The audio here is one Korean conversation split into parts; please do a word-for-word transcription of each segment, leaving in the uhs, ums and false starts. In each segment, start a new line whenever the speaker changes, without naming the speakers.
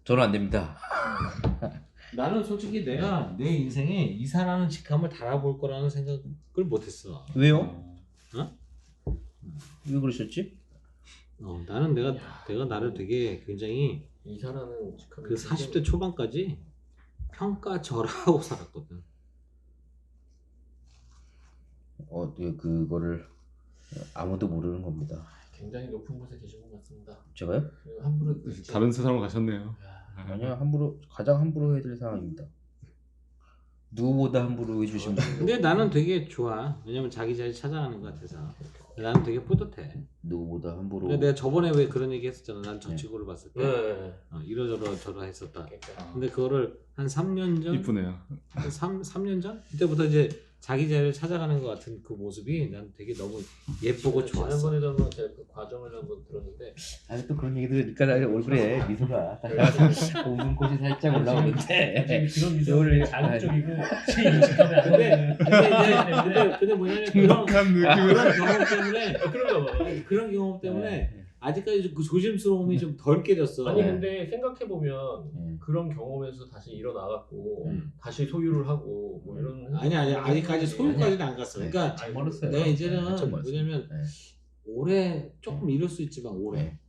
저는 안 됩니다.
나는 솔직히 내가 내 인생에 이사라는 직함을 달아볼 거라는 생각을 못했어.
왜요?
어?
왜 그러셨지?
어, 나는 내가 내가 나를 되게 굉장히
이사라는 직함이
그 사십 대 초반까지 평가절하하고 살았거든.
어, 네, 그거를 아무도 모르는 겁니다.
굉장히 높은 곳에 계신 것 같습니다.
제가요?
그리고 함부로
다른 세상으로 가셨네요.
야,
아니요, 함부로 가장 함부로 해드릴 상황입니다. 누구보다 함부로 해주신 분.
근데 나는 되게 좋아. 왜냐면 자기 자리 찾아가는 것 같아서. 나는 되게 뿌듯해.
누구보다 함부로.
근데 내가 저번에 왜 그런 얘기 했었잖아. 난 저 친구를 봤을 때
네.
어, 이러저러 저러 했었다.
그러니까.
근데 그거를 한 삼 년 전,
이쁘네요.
삼, 삼 년 전? 그때부터 이제 자기 자리를 찾아가는 것 같은 그 모습이 난 되게 너무 예쁘고 좋았어.
지난번에도 한번 제가 그 과정을 한번 들었는데
아니 또 그런 얘기 들으니까 나 얼굴에 미소가 웃음꽃이 살짝 올라오는데
지금 그런 미소는
오늘-
자극적이고 제 직함이 안
근데,
돼.
근데 이제 근데, 근데 뭐냐면 그런,
한 느낌으로.
그런 경험 때문에
그런가 봐.
그런 경험 때문에
네.
아직까지 그 조심스러움이 좀 덜 깨졌어.
아니
네.
근데 생각해 보면
네.
그런 경험에서 다시 일어나갖고
음.
다시 소유를 하고 뭐 이런
아니 아니 아직까지 소유까지는 안 갔어. 그러니까
아니,
멀었어요.
내가 이제는
한참 멀었어요.
뭐냐면
네.
올해 조금 이럴 수 있지만 올해
네.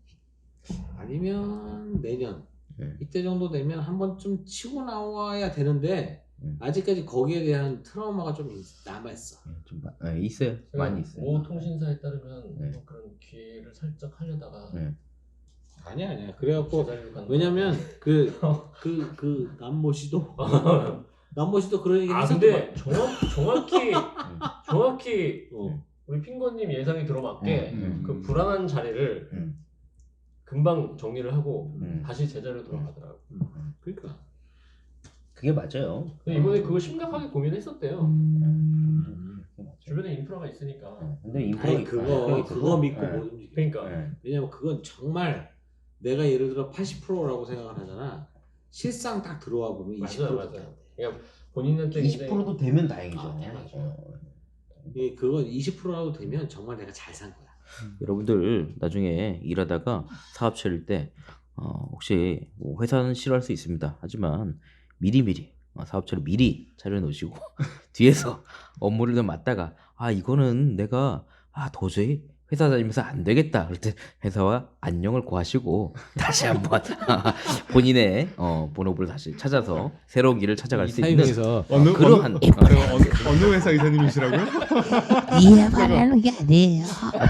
아니면 내년
네.
이때 정도 되면 한 번쯤 치고 나와야 되는데
음.
아직까지 거기에 대한 트라우마가 좀 남아 있어.
네, 좀 마- 네, 있어요. 많이 있어요.
모 통신사에 따르면
네.
뭐 그런 기회를 살짝 하려다가
네.
아니야 아니야. 그래갖고
제자리로 가는
왜냐면 그 그 그 남모 씨도 남모 씨도 그런 얘기
아
했었던
근데 정확, 정확히
음.
정확히
어.
우리 핑거님 예상이 들어맞게
음,
그 불안한 자리를
음.
금방 정리를 하고
음.
다시 제자리로 돌아가더라고.
그러니까
그게 맞아요.
근데 이번에 그거 심각하게 고민했었대요.
음. 그게 맞아요.
주변에 인프라가 있으니까.
네. 근데 인프라
아니 그거 그거 믿고 못 움직여.
그러니까
네.
왜냐면 그건 정말 내가 예를 들어 팔십 퍼센트라고 생각을 하잖아. 실상 딱 들어와 보면
맞아요,
이십 퍼센트
맞아요.
밖에 안 돼.
그냥 본인한테
이십 퍼센트도 되면 다행이죠.
아, 당연하죠.
어.
이 그건 이십 퍼센트라도 되면 정말 내가 잘 산 거야.
여러분들 나중에 일하다가 사업 차릴 때 어, 혹시 뭐 회사는 싫어할 수 있습니다. 하지만 미리미리 어, 사업체를 미리 차려놓으시고 뒤에서 업무를 좀 맡다가 아 이거는 내가 아 도저히 회사 다니면서 안 되겠다 그럴 때 회사와 안녕을 구하시고 다시 한번 본인의 어, 본업을 다시 찾아서 새로운 길을 찾아갈 수 있는
어느
그러한
어느, 제가 어느, 어느 회사 이사님이시라고요?
이해 바라는 게 아니에요.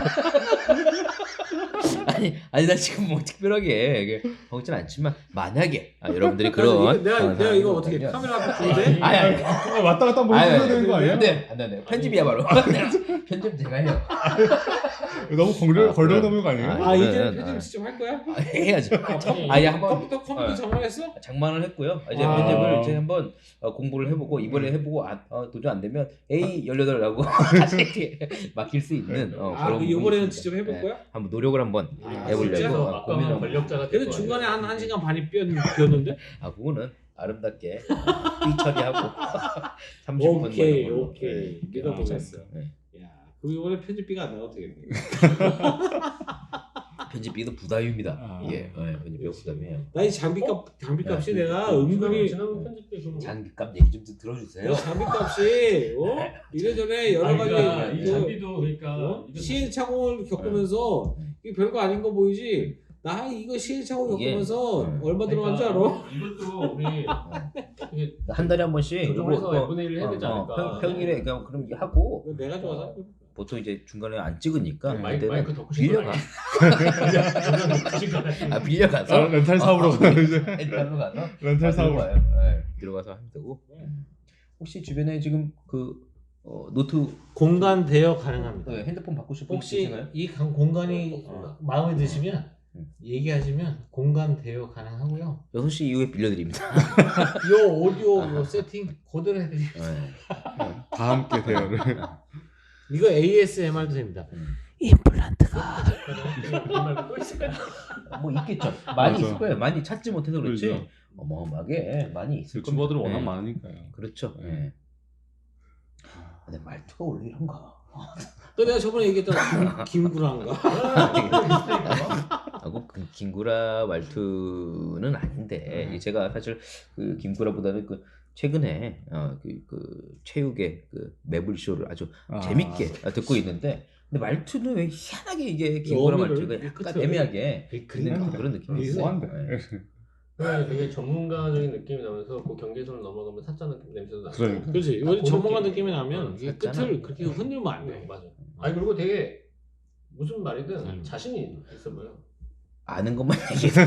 아니 아니 나 지금 뭐 특별하게 먹진 않지만 만약에 아, 여러분들이
그래서
그런
이거 내가
어,
내가 이거 어떻게
상황이
카메라 앞에 두는데?
아니 아니
아, 왔다 갔다 한번 해줘야 되는 거 아니에요?
안돼 안돼 안돼 편집이야 바로 편집 제가 해요.
너무 걸려
아,
걸려
그래.
넘는 거 아니에요?
아 이제
그러면,
편집
아.
직접 할 거야?
아, 해야죠.
아니,
아예 한번
컴퓨터 컴퓨터
어.
장만했어?
장만을 했고요. 이제
아.
편집을 이제 한번 어, 공부를 해보고 이번에 해보고 아, 어, 도저히 안 되면 에이 열여덟라고 다시 이렇게 맡길 수 있는 어,
아
그런
그
부분이
이번에는
있습니다.
직접 해볼
네,
거야?
한번 노력을 한번
아,
해보려고
진짜?
어,
아까
고민을 한번.
권력자가
근데
될
중간에
거예요.
한 한 시간 반이 삐었, 삐었는데?
아 그거는 아름답게 삐 처리하고 삼십 분
오케이
걸로.
오케이
네,
믿어보겠어.
네.
야 그럼 이번에 편집비가 안 나와도 되겠네.
편집비도 부담입니다.
아.
예, 네, 편집비가 부담이에요.
나 이 장비값 장비값이
네.
내가
지난번-
은근히
지난번 편집비 그럼
장기값 얘기 좀 들어주세요.
이 장비값이 어? 이래저래 여러
아니,
가지
그러니까 이
그,
장비도 그러니까
어?
이거
시행착오를 겪으면서
네.
이게 별거 아닌 거 보이지? 나 이거 시행착오
이게-
겪으면서
네.
얼마 들어간 줄 알아?
이것도 우리 이게
한 달에 한 번씩
조정을 해서
이거,
분의 일을 해야 되지
어,
않을까.
평, 평일에 그냥 그런 게 하고
이거 내가 좋아서
어, 보통 이제 중간에 안 찍으니까
마이크,
그때는
마이크 더 크신
빌려가.
거
아 빌려가서
아, 렌탈 사업으로
어,
이제
렌탈로 가서
렌탈
아,
사업으로.
들어가요. 네, 들어가서 하면 되고. 음. 혹시 주변에 지금 그 어, 노트
공간 대여 가능합니다.
네, 핸드폰 바꾸실 분
혹시
계신가요?
이 강- 공간이
어.
마음에 드시면
음.
얘기하시면 공간 대여 가능하고요.
여섯 시 이후에 빌려드립니다.
요 오디오 요 세팅 그대로 해드릴게요.
네.
다 함께 대여를.
이거 에이에스엠알도 됩니다.
임플란트가
뭐 있겠죠. 많이
맞아.
있을 거예요. 많이 찾지 못해서 그렇지.
그렇죠.
어마어마하게 많이 있을 겁니다.
유튜버들은 워낙
네.
많으니까요.
그렇죠.
네.
네. 근데 말투가 원래 이런가?
또 내가 저번에 얘기했던 김, 김구라인가?
아, 하고 그 김구라 말투는 아닌데
네.
제가 사실 그 김구라보다는 그 최근에 어, 그, 그 체육의 그 매불쇼를 아주
아.
재밌게 듣고 있는데 근데 말투는 왜 희한하게 이게 김구라
어미를
말투가 약간
끝을-
애매하게
그냥
있는 그런 느낌이
이게
있어요.
뭐한데?
네.
그냥 되게 전문가적인 느낌이 나면서 그 경계선을 넘어가면 사짜는 냄새도 나고.
그러니까.
그렇지.
아,
이건
그
전문가
느낌.
느낌이 나면 이게
샀잖아.
끝을 그렇게 흔들면 안
네,
돼.
맞아. 아니 그리고 되게 무슨 말이든
음.
자신이 있어 보여.
아는 것만 얘기해서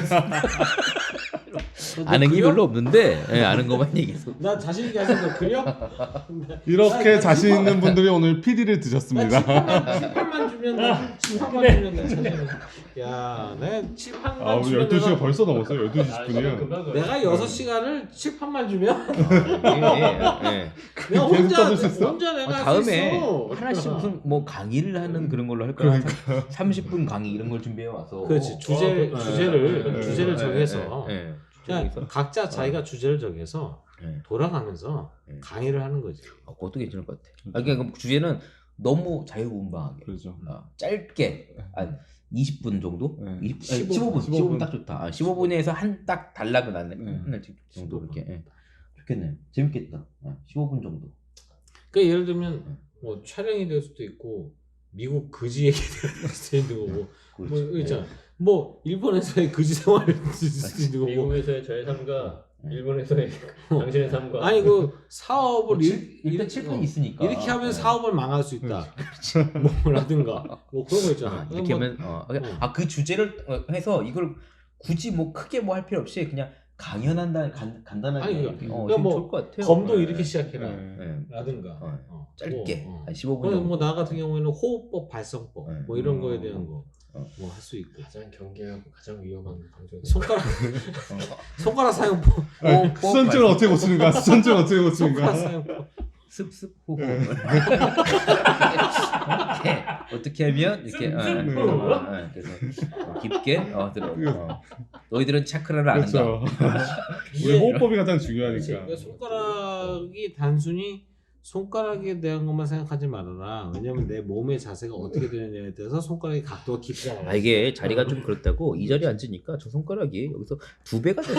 아는 게
그려?
별로 없는데 예, 아는 것만 얘기해서
나 자신 있게 하신 거 그려?
이렇게
나
자신
칠판-
있는 분들이 오늘 피디를
나
드셨습니다.
칠판만, 칠판만 주면 나 칠판만 주면 나 자신 야, 내가 칠판만
아, 우리
주면
열두 시가
내가,
벌써 넘었어요. 열두 시
아,
십 분이요.
금방 가요.
내가 여섯 시간을 칠판만 주면
예, 예, 예.
내가
계속
혼자
떠들 수 있어.
혼자
어,
내가
다음에
할수 있어.
하나씩 무슨 뭐 강의를 하는 그런 걸로 할 거야. 삼십 분 강의 이런 걸 준비해 와서.
그렇지. 주제
어,
주제를
예,
주제를
예,
정해서
예, 예.
그냥
주제에서.
각자 자기가 주제를 정해서
예.
돌아가면서
예.
강의를 하는 거지.
어, 그것도 괜찮을 것 같아. 아, 그러니까 그 주제는 너무 자유분방하게.
그렇죠.
어, 짧게 한 이십 분 정도?
네.
이십, 아니,
십오 분.
십오 분. 십오 분 딱 좋다. 아, 십오 분에서 한 딱 단락은 나네.
네.
한 정도 이렇게. 예. 좋겠네. 재밌겠다. 어, 십오 분 정도.
그러니까 예를 들면 뭐 촬영이 될 수도 있고 미국 거지 얘기 될 수도 있는 거고 뭐
그렇지.
있잖아. 뭐 일본에서의 거지 생활을 될 수도 있는 거고
미국에서의 저의 삶과
네.
일본에서의 당신의 삶과.
아니 그 사업을
뭐,
일,
칠- 일단 칠판이
어,
있으니까.
이렇게 하면
예.
사업을 망할 수 있다. 뭐라든가 뭐 그런 거 있잖아.
아, 이렇게
뭐,
하면 어,
어.
아 그 주제를 어, 해서 이걸 굳이 뭐 크게 뭐 할 필요 없이 그냥 강연한다 간, 간단하게
아니,
이렇게, 어,
그러니까
지금
뭐
좋을 것 같아요.
검도
예,
이렇게 시작해라.
네.
예.
라든가
어,
어.
짧게
뭐, 어.
한 십오 분
그래서
정도.
뭐 나 같은 경우에는 호흡법, 발성법
네.
뭐 이런
어.
거에 대한 거
어.
뭐 할 수 있고
가장 경계하고 가장 위험한 방송.
손가락
어,
손가락 사용법,
아니,
뽀뽀
수전증을 어떻게 고치는가? 수전증을 어떻게
손가락
고치는가?
사용법.
습습 호흡. 이렇게 어떻게 하면 이렇게 어,
습습
어,
호흡?
어, 어, 그래서 어, 깊게 어, 들어. 어. 너희들은 차크라를 아는가?
그렇죠.
이게-
우리 호흡법이 가장
그렇지.
중요하니까.
그러니까 손가락이 단순히 손가락에 대한 것만 생각하지 말아라. 왜냐면 내 몸의 자세가 어떻게 되느냐에 따라서 손가락의 각도가 깊지 않아.
아 이게 자리가 좀 그렇다고 이 자리에 앉으니까 저 손가락이 여기서 두 배가 돼서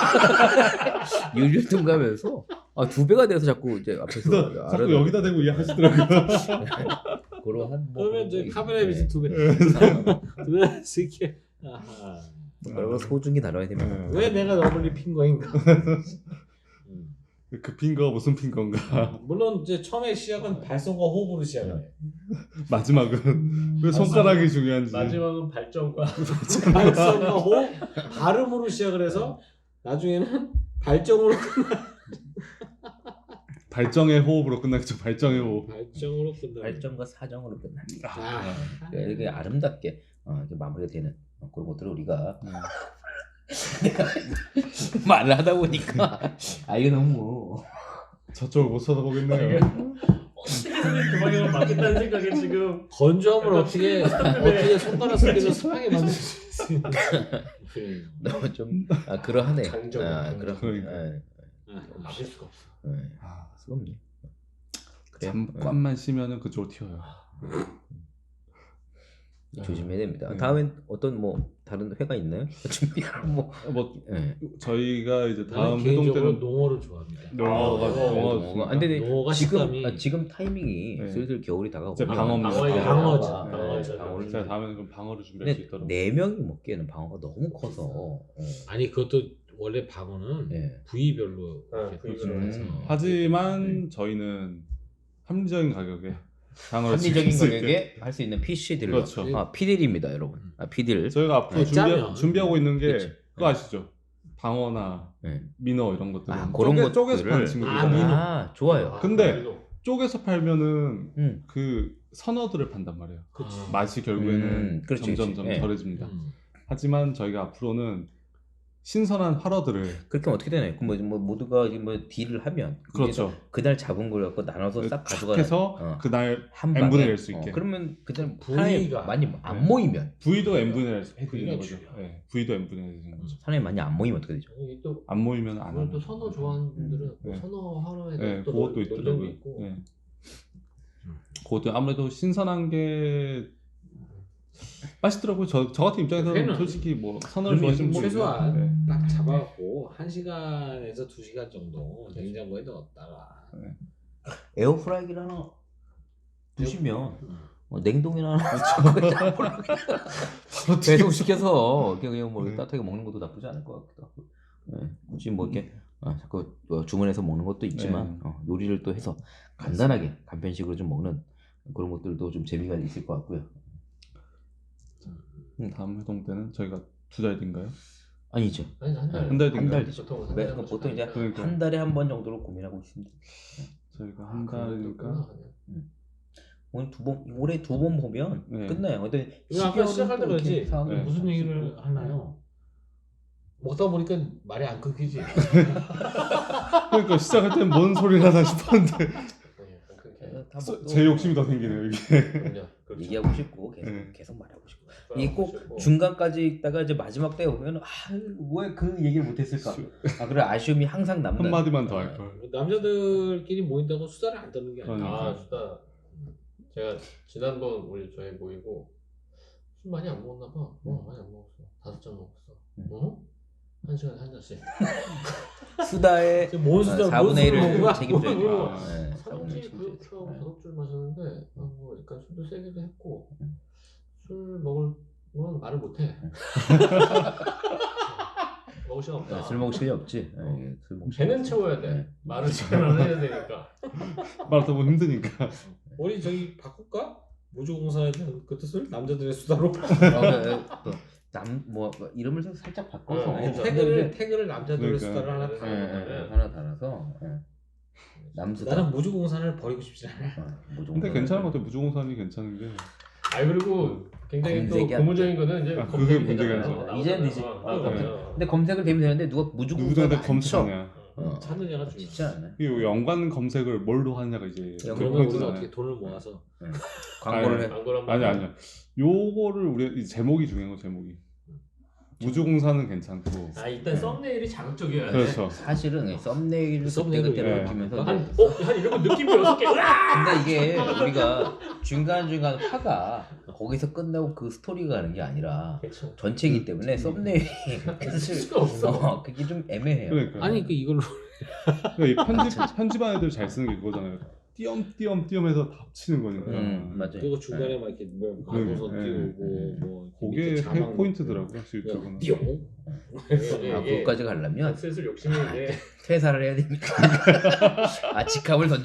율율 tum가면서 아, 두 배가 돼서 자꾸 이제 앞에서
그래서 자꾸 여기다 대고 이해하시더라고요.
그런 한 뭐,
그러면 이제 카메라에 비해서
네.
두 배, 두 배씩 이렇게. 아하.
그런 소중히 다뤄야 됩니다.
네.
왜 내가 너블리 핑거인가? 음.
그 핑거 무슨 핑거인가?
물론 이제 처음에 시작은 발성과 호흡으로 시작을 해.
마지막은 왜 손가락이 중요한지.
마지막은 발전과
발성과 호흡, 발음으로 시작을 해서 나중에는 발정으로
발정의 호흡으로 끝나겠죠. 발정의 호흡.
발정으로 끝나.
발전과 사정으로 끝납니다.
아,
그러니까 이렇게 아름답게 어, 이렇게 마무리가 되는 어, 그런 것들을 우리가
네.
내가 말을 하다 보니까 아 이게 너무
저쪽을 못 쳐다보겠네요.
어떻게든 그 방향을 맞겠다는 생각에 지금
건조함을 어떻게 어떻게 손가락 속에서 습하게 만들 수 있는?
너무 좀 아, 그러하네.
장정,
아,
장정.
그런
그러니까.
아,
막을 수가 없어.
예,
아,
수가 없네. 그래요?
잠깐만 쉬면은 그쪽으로 튀어요.
예, 조심해야 됩니다.
네.
다음엔 어떤 뭐 다른 회가 있나요? 준비하는 뭐
뭐
예.
저희가 이제 다음
나는
회동
개인적으로
때는
농어를 좋아합니다.
농어가
아,
농어
어,
좋습니다.
안 되네.
농어가
지금
식감이
아, 지금 타이밍이
네.
슬슬 겨울이 다가오고
이제 방어입니다.
방어예요.
방어죠.
아,
방어죠.
네, 방어를
제가 다음에는 그럼 방어를 준비할 수
근데
있도록.
네 명이 먹기에는 방어가 너무 커서 어.
아니 그것도 원래 방어는
예.
부위별로
아,
이렇게
부위별로
해서
음.
하지만 저희는 합리적인 가격에 방어를
합리적인
즐길 수 있게.
가격에 할 수 있는 피씨들로
그렇죠.
아 피딜입니다 여러분. 아 피딜.
저희가 앞으로
네,
준비,
짜면.
준비하고 있는 게
그치.
그거 아시죠? 방어나
네.
민어 이런 것들은
아, 그런
쪼개, 쪼개서
것들을-
파는
아,
친구들이잖아요.
민어.
아 좋아요.
근데 쪼개서 팔면은
음.
그 선어들을 판단 말이에요.
그치.
맛이 결국에는
음, 그렇지,
점점점
그렇지. 예.
덜해집니다.
음.
하지만 저희가 앞으로는 신선한 활어들을
그렇게 하면 어떻게 되나요? 그럼 뭐, 뭐 모두가 이제 뭐 딜을 하면
그렇죠.
그날 잡은 걸 갖고 나눠서 싹
쫙
가져가는
해서
어,
그날
한
n분의
방에
낼 수 있게.
어, 그러면 그날
부위가-
사람이 많이 안
네.
모이면
부위도 n분의 낼 수- 해드리는
부위가
거죠.
중요해요.
네, 부위도 n분의 해드리는 거죠.
사람이 많이 안 모이면 어떻게 되죠?
이게 또
안 모이면 안
그걸
하는
또
거죠.
선어 좋아하는 분들은
음,
뭐
네.
선어 하루에
네,
또
그것도
논-
있더라고요.
논쟁도 있고
네.
음.
그것도 아무래도 신선한 게 맛있더라고요. 저, 저 같은 입장에서는
회는
솔직히 뭐 선호를
그러면
좋아하시는 분이
최소한
네.
딱 잡아갖고 한 시간에서 두 시간 정도 냉장고에 넣었다가
에어프라이기를 하나 두시면
음.
어, 냉동이나 하나 배송 시켜서 그냥, 그냥 뭐
네.
따뜻하게 먹는 것도 나쁘지 않을 것 같기도 하고. 네. 굳이 뭐 이렇게 아, 자꾸 뭐 주문해서 먹는 것도 있지만
네.
어, 요리를 또 해서 간단하게 간편식으로 좀 먹는 그런 것들도 좀 재미가 있을 것 같고요.
음, 다음 회동 때는 저희가 두 달 뒤인가요?
아니죠.
아니 한 달.
한 달
한 달
뒤인가요?
뒤죠.
보통 한
네,
달에 한
그럼
번씩
보통 이제
하니까.
그러니까.
한 달에 한 번 정도로 고민하고 있습니다.
저희가 한
아, 그런 것도 있구나,
달이니까
그냥.
오늘 두 번, 올해 두 번 보면
네.
끝나요. 근데
이거 아까 시작할 때
또 이렇게
그러지
상황이
네.
무슨
바뀔 수
얘기를
있고.
하나요? 먹다 보니까 말이 안 끊기지.
그러니까 시작할 때는 뭔 소리를 하나 싶었는데
네, 약간 그렇게.
다
써-
먹고
제 욕심이 더 생기네요 이게.
그럼요. 그렇죠.
얘기하고 싶고 계속
네.
계속 말하고 싶고
그러고
이게 꼭
싶고.
중간까지 있다가 이제 마지막 때 오면 아왜 그 얘기를 못했을까? 아 그래 아쉬움이 항상 남는.
한 마디만 더 할 걸.
남자들끼리 모인다고 수다를 안 떠는 게 아니야.
그러니까.
아 수다. 제가 지난번 우리 저희 모이고 술 많이 안 먹었나 봐. 어 많이 안 먹었어. 다섯 잔 먹었어.
음.
어? 한 시간에 한 잔씩.
수다의
지금 뭔 수다?
사분의 일을
먹은 거야?
책임져야 돼요.
뭐,
아,
네, 사분의 일
사람들이
책임져야
그렇게 하고
돼요.
다섯 줄 마셨는데 아, 뭐 약간 술도 세기도 했고
음.
술 먹을 건 말을 못해. 먹을 시간 없다.
네, 술 먹을 시간이 없지.
어.
네, 술 먹을
배는
시간이
채워야
없지.
돼.
네.
말을 잘 안 해야 되니까.
말하다 보면 힘드니까.
우리 저기 바꿀까? 무주공사에 대한 그 뜻을 남자들의 수다로.
남뭐 이름을 좀 살짝 바꿔서
네,
아니,
그렇죠.
태그를 태그를 남자들의
그러니까.
수다를 하나
네,
다.
예, 예, 예, 하나 달아서 예. 남수다.
나는 무주공사를 버리고 싶지 않아.
어, 뭐 정도.
근데 괜찮은 것 같아요. 무주공산이 괜찮은 게.
아 그리고 굉장히 또
검색이 안
고무적인 거는 이제
아, 그게
검색이
문제가
되잖아요.
있죠.
이제는 되지.
나오잖아요.
어,
나오잖아요.
근데 검색을 되면 되는데 누가 무주공사
누구한테 검색하냐.
어,
찾느냐가 중요해.
쉽지 않아요.
이 연관 검색을 뭘로 하느냐가 이제
야,
그러면
그런
우리가
포인트잖아요.
어떻게 돈을 모아서
예. 광고를
아니,
해.
광고를 한번
아니 아니요. 요거를 우리 이 제목이 중요한 거 제목이. 무주공사는 괜찮고.
아 일단 썸네일이 자극적이어야 돼.
그렇죠.
사실은 예, 썸네일을
썸네일을
그때 그때
예.
바뀌면서
한,
이제
어? 한 이러면 느낌이 여섯 개. 으아!
근데 이게 우리가 중간중간 화가 거기서 끝나고 그 스토리가 가는 게 아니라
그렇죠.
전체이기 때문에 썸네일이
쓸 수가 없어.
어, 그게 좀 애매해요.
그러니까.
아니 그 이걸로
그러니까 이 편집 편집한 애들 잘 쓰는 게 그거잖아요. 띄엄띄엄 띄엄해서 다 합치는 거니까.
음, 맞아요.
그리고 중간에 막 이렇게 뭐 광고선
네,
띄우고
네.
뭐
그게
밑에 자막
포인트더라고요.
넣고
유튜브는.
띠용
이게-
아,
이게
그것까지 가려면
슬슬 욕심이 이제
퇴사를 해야 됩니다. 아, 직함을 던져